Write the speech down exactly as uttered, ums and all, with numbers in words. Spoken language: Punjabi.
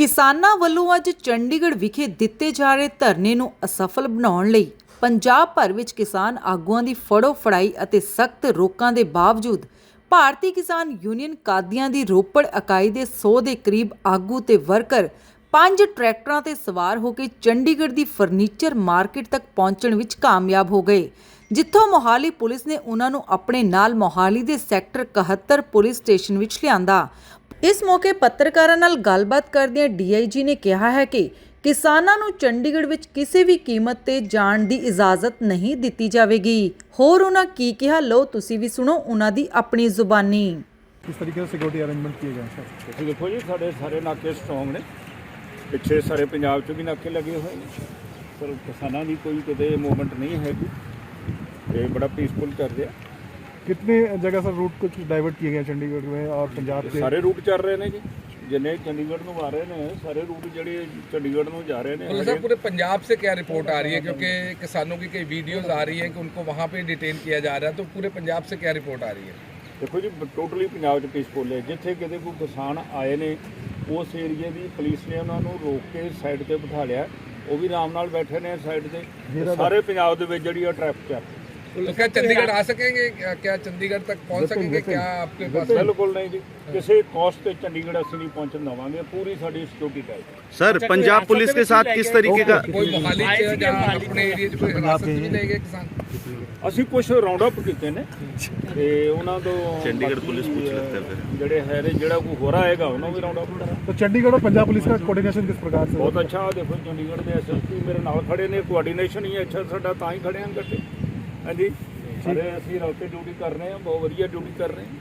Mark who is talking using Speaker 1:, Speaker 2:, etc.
Speaker 1: ਕਿਸਾਨਾਂ ਵੱਲੋਂ ਅੱਜ ਚੰਡੀਗੜ੍ਹ ਵਿਖੇ ਦਿੱਤੇ ਜਾ ਰਹੇ ਧਰਨੇ ਨੂੰ ਅਸਫਲ ਬਣਾਉਣ ਲਈ ਪੰਜਾਬ ਭਰ ਵਿੱਚ ਕਿਸਾਨ ਆਗੂਆਂ ਦੀ ਫੜੋ ਫੜਾਈ ਅਤੇ ਸਖਤ ਰੋਕਾਂ ਦੇ ਬਾਵਜੂਦ ਭਾਰਤੀ ਕਿਸਾਨ ਯੂਨੀਅਨ ਕਾਦੀਆਂ ਦੀ ਰੋਪੜ ਇਕਾਈ ਦੇ ਸੌ ਦੇ ਕਰੀਬ ਆਗੂ ਤੇ ਵਰਕਰ ਪੰਜ ਟਰੈਕਟਰਾਂ ਤੇ ਸਵਾਰ ਹੋ ਕੇ ਚੰਡੀਗੜ੍ਹ ਦੀ ਫਰਨੀਚਰ ਮਾਰਕੀਟ ਤੱਕ ਪਹੁੰਚਣ ਵਿੱਚ ਕਾਮਯਾਬ ਹੋ ਗਏ, ਜਿੱਥੋਂ ਮੋਹਾਲੀ ਪੁਲਿਸ ਨੇ ਉਹਨਾਂ ਨੂੰ ਆਪਣੇ ਨਾਲ ਮੋਹਾਲੀ ਦੇ ਸੈਕਟਰ ਇਕਹੱਤਰ ਪੁਲਿਸ ਸਟੇਸ਼ਨ ਵਿੱਚ ਲਿਆਂਦਾ। ਇਸ ਮੌਕੇ ਪੱਤਰਕਾਰਾਂ ਨਾਲ ਗੱਲਬਾਤ ਕਰਦਿਆਂ ਡੀ ਆਈ ਜੀ ਨੇ ਕਿਹਾ ਹੈ ਕਿ ਕਿਸਾਨਾਂ ਨੂੰ ਚੰਡੀਗੜ੍ਹ ਵਿੱਚ ਕਿਸੇ ਵੀ ਕੀਮਤ ਤੇ ਜਾਣ ਦੀ ਇਜਾਜ਼ਤ ਨਹੀਂ ਦਿੱਤੀ ਜਾਵੇਗੀ। ਹੋਰ ਉਹਨਾਂ ਕੀ ਕਿਹਾ, ਲਓ ਤੁਸੀਂ ਵੀ ਸੁਣੋ ਉਹਨਾਂ ਦੀ ਆਪਣੀ ਜ਼ੁਬਾਨੀ।
Speaker 2: किस तरीके से सिक्योरिटी अरेंजमेंट किए गए हैं सर?
Speaker 3: ਤੁਸੀਂ ਦੇਖੋ ਜੀ, ਸਾਡੇ ਸਾਰੇ ਨਾਕੇ ਸਟਰੋਂਗ ਨੇ, ਪਿੱਛੇ ਸਾਰੇ ਪੰਜਾਬ 'ਚ ਵੀ ਨਾਕੇ ਲੱਗੇ ਹੋਏ ਨੇ, ਪਰ ਕਿਸਾਨਾਂ ਦੀ ਕੋਈ ਕਿਤੇ ਮੂਵਮੈਂਟ ਨਹੀਂ ਹੈਗੀ, ਇਹ ਬੜਾ ਪੀਸਫੁਲ ਚੱਲ ਰਿਹਾ।
Speaker 2: कितने जगह सर रूट कुछ डाइवर्ट किए गए चंडीगढ़ में और पंजाब के?
Speaker 3: ਸਾਰੇ ਰੂਟ ਚੱਲ ਰਹੇ ਨੇ ਜੀ, जिन्हें चंडीगढ़ में आ रहे हैं सारे रूट जोड़े चंडीगढ़ में जा रहे हैं।
Speaker 4: सर पूरे पंजाब से क्या रिपोर्ट आ रही है, क्योंकि किसानों की कई वीडियोस आ रही है कि उनको वहाँ पे डिटेन किया जा रहा है, तो पूरे पंजाब से क्या रिपोर्ट आ रही है?
Speaker 3: देखो जी, टोटली पंजाब पीसफुल है, जिथे किते कोई किसान आए ने उस एरिए की पुलिस ने उन्होंने रोक के साइड पर बिठा लिया, वो भी आराम नाल बैठे ने साइड से। सारे पंजाब दे विच जिहड़ी ट्रैफिक है।
Speaker 4: तो क्या चंडीगढ़ आ सकेंगे, क्या चंडीगढ़ तक पहुंच सकेंगे? क्या आपके पास?
Speaker 3: बिल्कुल नहीं जी, किसी कॉस्ट पे चंडीगढ़ असं नहीं पहुंचने देवांगे, पूरी साडी security tight.
Speaker 5: Sir Punjab police के साथ किस तरीके का
Speaker 4: कोई मोहाली च या अपने एरिया च कोई हिरासत भी लेंगे किसान?
Speaker 3: ਅਸੀਂ ਕੁਝ ਰਾਉਂਡ ਅਪ ਕੀਤੇ ਨੇ ਤੇ ਉਹਨਾਂ ਤੋਂ
Speaker 5: चंडीगढ़ पुलिस पूछ लेते हैं फिर
Speaker 3: ਜਿਹੜੇ ਹੈ ਨੇ, ਜਿਹੜਾ ਕੋਈ ਹੋਰ ਆਏਗਾ ਉਹਨਾਂ ਵੀ ਰਾਉਂਡ ਅਪ ਕਰਾਂਗੇ।
Speaker 2: तो चंडीगढ़ और पंजाब पुलिस का कोऑर्डिनेशन किस प्रकार से?
Speaker 3: ਬਹੁਤ ਅੱਛਾ। ਦੇਖੋ ਚੰਡੀਗੜ੍ਹ ਦੇ ਐਸ ਐਸ ਪੀ ਮੇਰੇ ਨਾਲ ਖੜੇ ਨੇ, ਕੋਆਰਡੀਨੇਸ਼ਨ ਹੀ ਅੱਛਾ ਸਾਡਾ, ਤਾਂ ਹੀ ਖੜੇ ਹਾਂ ਇਕੱਠੇ। ਹਾਂਜੀ, ਸਾਰੇ ਅਸੀਂ ਰਲ ਕੇ ਡਿਊਟੀ ਕਰ ਰਹੇ ਹਾਂ, ਬਹੁਤ ਵਧੀਆ ਡਿਊਟੀ ਕਰ ਰਹੇ ਹਾਂ।